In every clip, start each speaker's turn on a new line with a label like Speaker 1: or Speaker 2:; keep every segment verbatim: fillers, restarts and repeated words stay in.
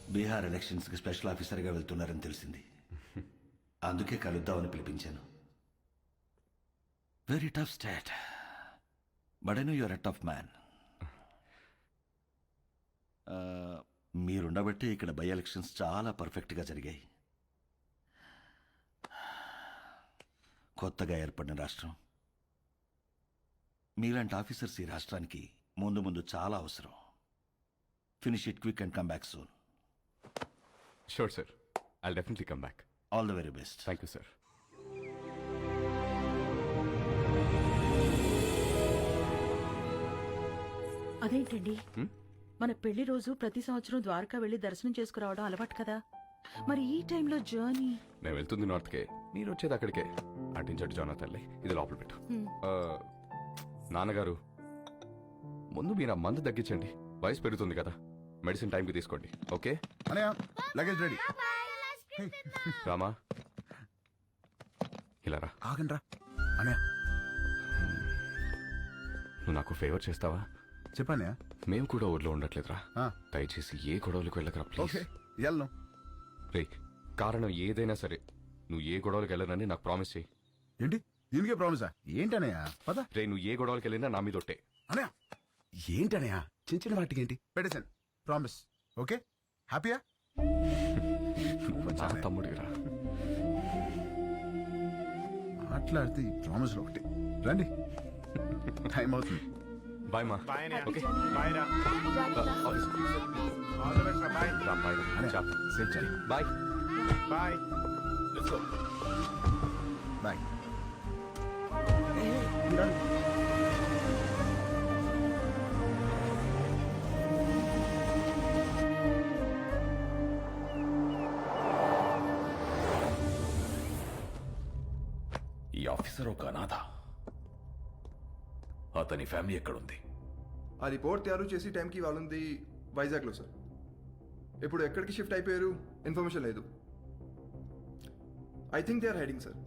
Speaker 1: బీహార్ ఎలక్షన్స్కి స్పెషల్ ఆఫీసర్గా వెళ్తున్నారని తెలిసింది. అందుకే కలుద్దామని పిలిపించాను. Very tough state, but I know your a tough man. మీరుండబట్టి ఇక్కడ బై ఎలక్షన్స్ చాలా పర్ఫెక్ట్గా జరిగాయి. కొత్తగా ఏర్పడిన రాష్ట్రం, మీలాంటి ఆఫీసర్స్ ఈ రాష్ట్రానికి ముందు ముందు చాలా అవసరం. Finish it quick and come back soon.
Speaker 2: Sure sir, I'll definitely come back.
Speaker 1: All the very best.
Speaker 2: Thank you sir.
Speaker 3: అదేంటండి, మన పెళ్లి రోజు ప్రతి సంవత్సరం ద్వారకా వెళ్లి దర్శనం చేసుకురావడం అలవాటు కదా, మరి ఈ టైంలో జర్నీ?
Speaker 2: నేను వెళ్తుంది నార్త్కే, మీరు వచ్చేది అక్కడికే. అటించట్టు జానా తల్లి, ఇది లోపల పెట్టు. ఆ, నాన్నగారు, ముందు మీరు ఆ మందు తగ్గించండి, వయసు పెరుగుతుంది కదా. మెడిసిన్ టైంకి తీసుకోండి, ఓకే?
Speaker 4: Luggage ready.
Speaker 2: రామా, ఇలా రా.
Speaker 4: ఆగండి రా అనయా.
Speaker 2: నువ్వు నాకు ఫేవర్ చేస్తావా?
Speaker 4: చెప్పానయా.
Speaker 2: మేము కూడా ఊర్లో ఉండట్లేదురా, దయచేసి ఏ గొడవలకు వెళ్ళకరా ప్లీజ్.
Speaker 4: వెళ్ళను
Speaker 2: రే, కారణం ఏదైనా సరే నువ్వు ఏ గొడవలకు వెళ్ళనని నాకు ప్రామిస్ చేయి.
Speaker 4: ఏంటి దీనికే ప్రామిసా? ఏంటనయా పద.
Speaker 2: రే, నువ్వు ఏ గొడవలకు వెళ్ళినా నా మీద ఒట్టే.
Speaker 4: అనయా ఏంటనయా, చిన్న చిన్న వాటికి ఏంటి పెట్టేశాను. Promise, okay? హ్యాపీయా?
Speaker 2: నా తమ్ముడిరా.
Speaker 4: మాట్లాడితే ఈ ప్రామిస్లో ఒకటి. రండి, టైం అవుతుంది.
Speaker 2: బాయ్ మా. ఓకే బాయ్ రా.
Speaker 4: సేఫ్ చేయండి.
Speaker 2: Bye
Speaker 4: bye. బాయ్.
Speaker 5: ఈ ఆఫీసర్ ఒక అనాథ. అతని ఫ్యామిలీ ఎక్కడుంది?
Speaker 6: ఆ రిపోర్ట్ తయారు చేసి టైంకి వాళ్ళుంది వైజాగ్లో సార్. ఇప్పుడు ఎక్కడికి షిఫ్ట్ అయిపోయారు ఇన్ఫర్మేషన్ లేదు. I think they are hiding sir.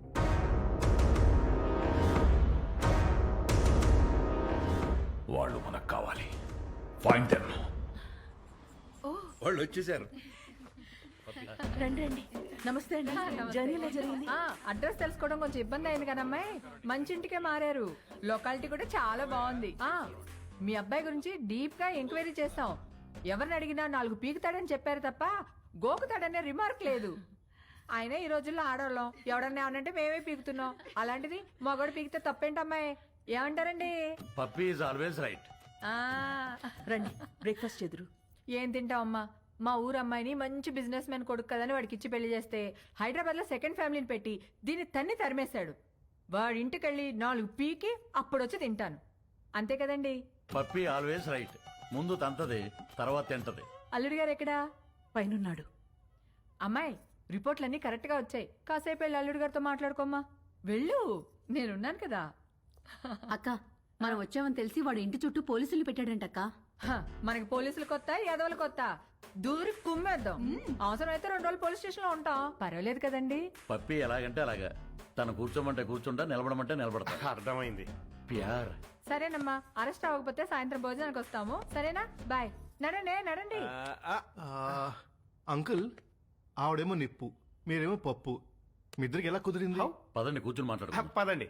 Speaker 5: వాళ్ళు మనకు కావాలి. Find them.
Speaker 1: వాళ్ళు వచ్చేసారు.
Speaker 3: రండి రండి. నమస్తే అండి. జర్నీ ఎలా జరిగింది?
Speaker 7: అడ్రస్ తెలుసుకోవడం కొంచెం ఇబ్బంది అయింది కదమ్మాయి. మంచి ఇంటికే మారారు. లొకాలిటీ కూడా చాలా బాగుంది. ఆ మీ అబ్బాయి గురించి డీప్ గా ఎంక్వైరీ చేస్తాం. ఎవరిని అడిగినా నాలుగు పీకుతాడని చెప్పారు తప్ప గోకుతాడనే రిమార్క్ లేదు. ఆయన ఈ రోజుల్లో ఆడవాళ్ళం, ఎవడన్నా ఏమనంటే మేమే పీకుతున్నాం. అలాంటిది మగోడు పీకితే తప్పేంటమ్మాయి? ఏమంటారండి?
Speaker 1: Puppy is always right.
Speaker 7: ఆ
Speaker 3: రండి, బ్రేక్ఫాస్ట్ చెదురు.
Speaker 7: ఏం తింటావమ్మా? మా ఊరు అమ్మాయిని మంచి బిజినెస్ మ్యాన్ కొడుకు కదని వాడికి ఇచ్చి పెళ్లి చేస్తే హైదరాబాద్ లో సెకండ్ ఫ్యామిలీని పెట్టి దీన్ని తన్ని తరిమేశాడు. వాడి ఇంటికెళ్ళి నాలుగు పీకి అప్పుడొచ్చి తింటాను. అంతే కదండి?
Speaker 1: Puppy always right. ముందు తంతది, తర్వాత తింటది.
Speaker 7: అల్లుడి గారు ఎక్కడా?
Speaker 3: పైనున్నాడు.
Speaker 7: అమ్మాయి, రిపోర్ట్లన్నీ కరెక్ట్ గా వచ్చాయి. కాసేపు వెళ్ళి అల్లుడి గారితో మాట్లాడుకోమ్మా. వెళ్ళు, నేనున్నాను కదా.
Speaker 8: అక్క, మనం వచ్చామని తెలిసి వాడు ఇంటి చుట్టూ పోలీసులు పెట్టాడంటక్క.
Speaker 7: హ, మనకి పోలీసులు కొత్త, యాదవులు కొత్త. దూరి కుమ్మేద్దాం. అవసరమైతే రెండు రోజులు పోలీస్ స్టేషన్ లో ఉంటాం. పర్వాలేదు కదండి.
Speaker 1: పప్పీ ఎలాగంటే అలాగా. తను కూర్చోమంటే కూర్చుంటా, నిలబడమంటే నిలబడతా.
Speaker 2: అర్థమైంది.
Speaker 1: ప్యార్.
Speaker 7: సరేనమ్మా, అరెస్ట్ అవ్వకపోతే సాయంత్రం భోజనానికి వస్తాము. సరేనా? బాయ్. నడండి నడండి.
Speaker 9: అంకుల్, ఆవిడేమో నిప్పు, మీరేమో పప్పు. మీ ఇద్దరికి ఎలా కుదిరింది?
Speaker 1: పదండి, కూర్చుని మాట్లాడు.
Speaker 9: పదండి.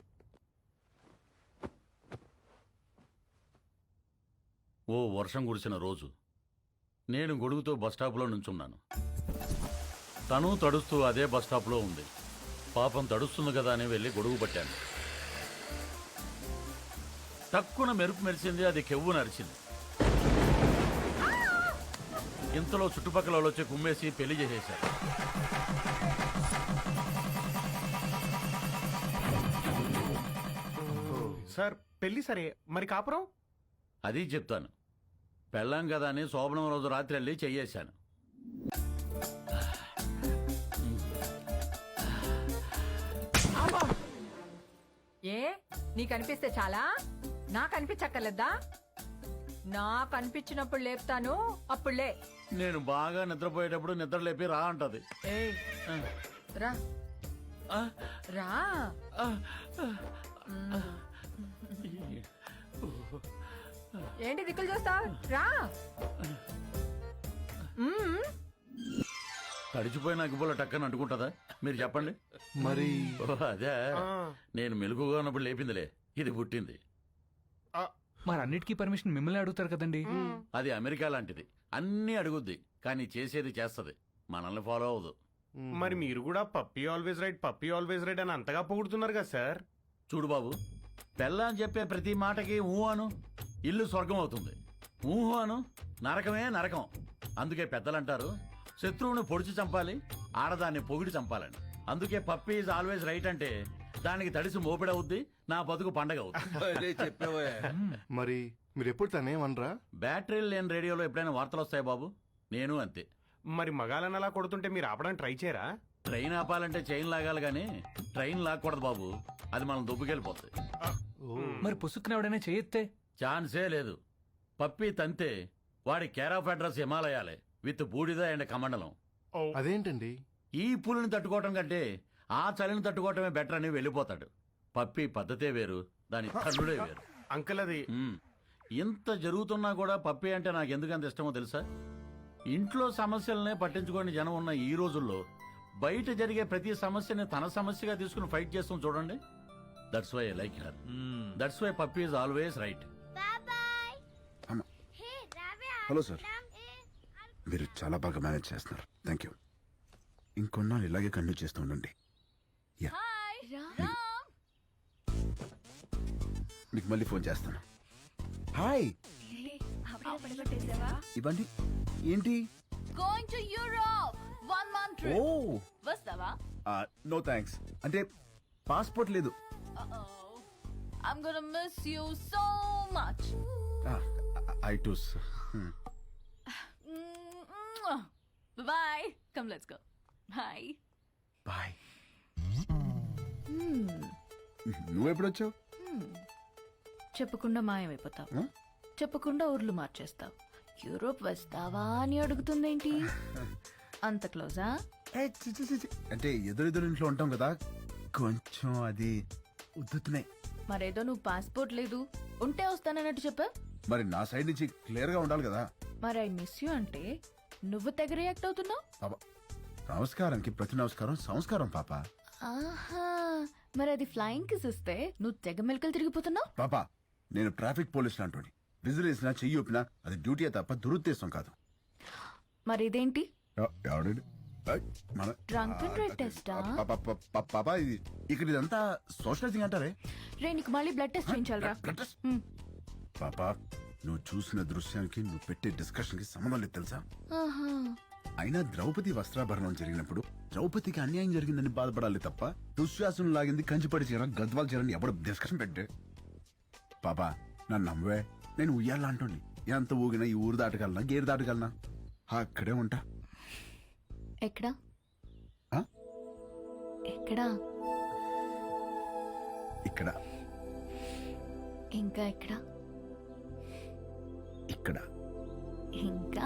Speaker 1: ఓ వర్షం కురిసిన రోజు నేను గొడుగుతో బస్టాప్లో నుంచున్నాను. తను తడుస్తూ అదే బస్టాప్లో ఉంది. పాపం తడుస్తుంది కదా అని వెళ్ళి గొడుగు పట్టాను. తక్కువ మెరుపు మెరిసింది, అది కెవ్వు నరిచింది. ఇంతలో చుట్టుపక్కల వాళ్ళు వచ్చి కుమ్మేసి పెళ్లి చేసేశారు.
Speaker 9: సార్ పెళ్లి సరే, మరి కాపురం?
Speaker 1: అది చెప్తాను. పెళ్ళాం కదా అని శోభనం రోజు రాత్రి వెళ్ళి చెయ్యేశాను.
Speaker 7: ఏ నీకు అనిపిస్తే చాలా? నాకు అనిపించక్కర్లేదా? నాకు అనిపించినప్పుడు లేపుతాను, అప్పుడులే.
Speaker 1: నేను బాగా నిద్రపోయేటప్పుడు నిద్ర లేపి రా అంటది.
Speaker 7: ఏయ్, రా రా. ఏంటి దిక్కులు చూస్తావు? రా.
Speaker 1: తడిచిపోయిన అగ్గిపుల్ల టక్కని అంటుకుంటుందా మీరు చెప్పండి.
Speaker 9: మరి
Speaker 1: ఓ అదే నేను మెలుగుగా ఉన్నప్పుడు లేపిందిలే, ఇది పుట్టింది.
Speaker 10: మరి అన్నిటికీ పర్మిషన్ మిమ్మల్ని అడుగుతారు కదండి.
Speaker 1: అది అమెరికా లాంటిది, అన్నీ అడుగుద్ది కానీ చేసేది చేస్తది, మనల్ని ఫాలో అవ్వదు.
Speaker 11: మరి మీరు కూడా puppy always right puppy always right అని అంతగా పొగుడుతున్నారు కదా సార్.
Speaker 1: చూడు బాబు, పెళ్ళ అని చెప్పే ప్రతి మాటకి ఊ అను, ఇల్లు స్వర్గం అవుతుంది. ఊహు అను, నరకమే నరకం. అందుకే పెద్దలంటారు శత్రువుని పొడిచి చంపాలి, ఆడదాన్ని పొగిడి చంపాలని. అందుకే పప్పీ ఈజ్ ఆల్వేస్ రైట్ అంటే దానికి తడిసి మోపిడవుద్ది, నా బతుకు పండగ అవుద్ది.
Speaker 9: మరి మీరు ఎప్పుడు తనేమనరా?
Speaker 1: బ్యాటరీలు లేని రేడియోలో ఎప్పుడైనా వార్తలు వస్తాయి బాబు, నేను అంతే.
Speaker 11: మరి మగాలని అలా కొడుతుంటే మీరు ఆపడానికి ట్రై చేయరా?
Speaker 1: ట్రైన్ ఆపాలంటే చైన్ లాగాలి కానీ ట్రైన్ లాక్కూడదు బాబు, అది మనం దుబ్బుకెళ్ళిపోతుంది.
Speaker 10: మరి పుసుక్కున ఎవడైనా చేయెత్తే
Speaker 1: ఛాన్సే లేదు. పప్పి తంతే వాడి కేర్ ఆఫ్ అడ్రస్ హిమాలయాలే విత్ బూడిద అండ్ కమండలం.
Speaker 9: అదేంటండి?
Speaker 1: ఈ పులిని తట్టుకోవటం కంటే ఆ చలిని తట్టుకోవటమే బెటర్ అని వెళ్ళిపోతాడు. పప్పి పద్ధతే వేరు, దాని తల్లుడే వేరు.
Speaker 11: అంకుల్ అది
Speaker 1: ఉమ్. ఇంత జరుగుతున్నా కూడా పప్పి అంటే నాకు ఎందుకంత ఇష్టమో తెలుసా? ఇంట్లో సమస్యలనే పట్టించుకోని జనం ఉన్న ఈ రోజుల్లో బయట జరిగే ప్రతి సమస్యని తన సమస్యగా తీసుకుని ఫైట్ చేస్తాం చూడండి. That's why I like her. That's why puppy is always right.
Speaker 4: Hello sir, మీరు చాలా బాగా మేనేజ్ చేస్తున్నారు, థ్యాంక్ యూ. ఇంకొన్నాళ్ళు ఇలాగే కంటిన్యూ చేస్తూ ఉండండి. యా, మీకు మళ్ళీ ఫోన్ చేస్తాను. హాయ్, ఇవ్వండి. ఏంటి?
Speaker 8: Going to Europe one month
Speaker 4: ఓ
Speaker 8: వస్తావా?
Speaker 4: నో థ్యాంక్స్, అంటే పాస్పోర్ట్ లేదు.
Speaker 8: I'm gonna miss you so much.
Speaker 4: I too.
Speaker 8: Bye, come let's go. Bye
Speaker 4: bye. నువ్వెప్పుడు వచ్చావు?
Speaker 3: చెప్పకుండా మాయమైపోతావు,
Speaker 4: Huh?
Speaker 3: చెప్పకుండా ఊర్లు మార్చేస్తావు. యూరోప్ వస్తావా అని అడుగుతుందేంటి? అంత క్లోజా?
Speaker 4: ఏ, చి, చి, చి, చి. అంటే ఎదురెదురు ఇంట్లో ఉంటాం కదా, కొంచెం అది ఉద్దుతున్నాయి.
Speaker 3: మరేదో నువ్వు పాస్పోర్ట్ లేదు ఉంటే వస్తానన్నట్టు చెప్పా.
Speaker 4: మరి నా సైడ్ నుంచి క్లియర్ గా ఉండాలి కదా.
Speaker 3: మరి ఐ మిస్ యూ అంటే నువ్వు తెగ రియాక్ట్ అవుతున్నావు.
Speaker 4: పాప, నమస్కారానికి ప్రతి నమస్కారం సంస్కారం పాప.
Speaker 3: ఆహా, మరి అది ఫ్లయింగ్ కిస్ ఇస్తే నువ్వు తెగ మెలకలు తిరిగిపోతున్నావు.
Speaker 4: పాప, నేను ట్రాఫిక్ పోలీస్ లాంటి విజిల్ వేసినా చెయ్యి ఊపినా అది డ్యూటీ తప్ప దురుద్దేశం కాదు.
Speaker 3: మరి ఇదేంటి?
Speaker 4: ఎవ- ఎవడు? ఏయ్, మన-
Speaker 3: Drunk and drive test ఆ?
Speaker 4: పా- పా- పా- పా- పాప, ఇది ఇక్కడ ఇదంతా సోషలైజింగ్ అంటారే.
Speaker 3: రే, నీకు మళ్ళీ బ్లడ్ టెస్ట్ చేయించాలరా?
Speaker 4: Blood test? పాప, నువ్వు చూసిన దృశ్యానికి నువ్వు పెట్టే డిస్కషన్ కి సంబంధం లేదు తెలుసా?
Speaker 3: ఆహా,
Speaker 4: అయినా ద్రౌపది వస్త్రాభరణం జరిగినప్పుడు ద్రౌపదికి అన్యాయం జరిగిందని బాధపడాలి తప్ప దుశ్శాసనం లాగింది కంచిపడి చీర గద్వాల చీరని ఎవడు డిస్కషన్ పెట్టే. పాపా, నన్ను నమ్మవే, నేను ఉయ్యాలా అంటోండి. ఎంత ఊగినా ఈ ఊరు దాటగలనా గేరు దాటగలనా? అక్కడే ఉంటా.
Speaker 3: ఎక్కడా
Speaker 4: ఆ?
Speaker 3: ఎక్కడా?
Speaker 4: ఇక్కడ
Speaker 3: ఇంకా ఎక్కడా?
Speaker 4: ఇక్కడ
Speaker 3: ఇంకా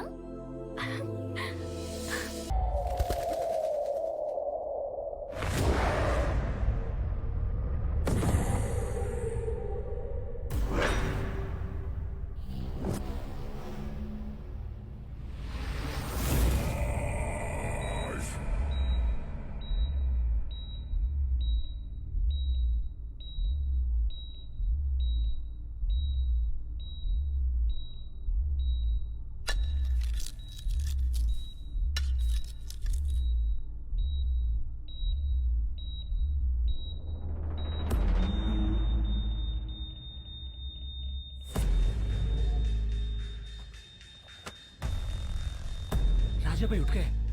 Speaker 10: राजा भाई उठ गए।